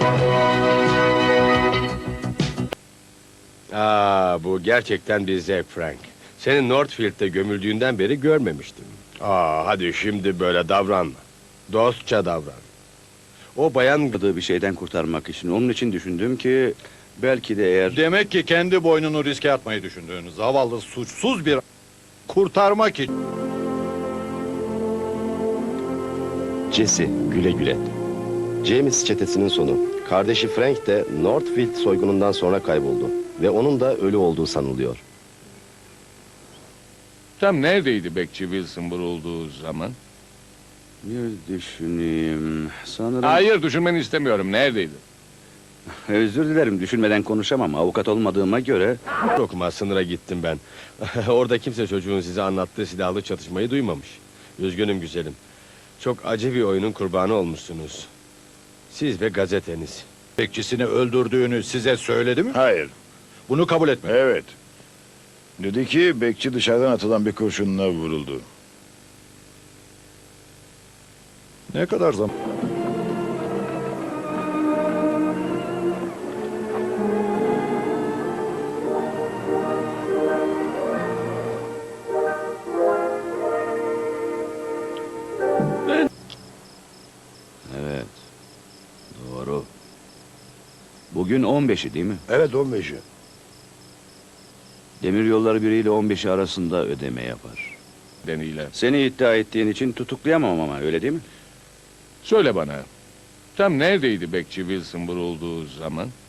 Bu gerçekten bir zevk Frank. Seni Northfield'de gömüldüğünden beri görmemiştim. Hadi şimdi böyle davranma. Dostça davran. O bayan Bir şeyden kurtarmak için. Onun için düşündüm ki belki de eğer... Demek ki kendi boynunu riske atmayı düşündüğün zavallı suçsuz bir kurtarmak için. Jesse, güle güle. James çetesinin sonu. Kardeşi Frank de Northfield soygunundan sonra kayboldu. Ve onun da ölü olduğu sanılıyor. Tam neredeydi bekçi Wilson vurulduğu zaman? Bir düşüneyim. Sanırım... Hayır, düşünmeni istemiyorum. Neredeydi? Özür dilerim, düşünmeden konuşamam. Avukat olmadığıma göre... okuma sınıra gittim ben. Orada kimse çocuğun size anlattığı silahlı çatışmayı duymamış. Üzgünüm güzelim. Çok acı bir oyunun kurbanı olmuşsunuz. Siz ve gazeteniz. Bekçisini öldürdüğünü size söyledi mi? Hayır. Bunu kabul etme. Evet. Dedi ki bekçi dışarıdan atılan bir kurşunla vuruldu. Ne kadar zaman? Evet. Doğru. Bugün 15'i değil mi? Evet 15'i. Demiryolları biriyle 15'i arasında ödeme yapar. Deniyle. Seni iddia ettiğin için tutuklayamam ama öyle değil mi? Söyle bana. Tam neredeydi bekçi Wilson vurulduğu zaman?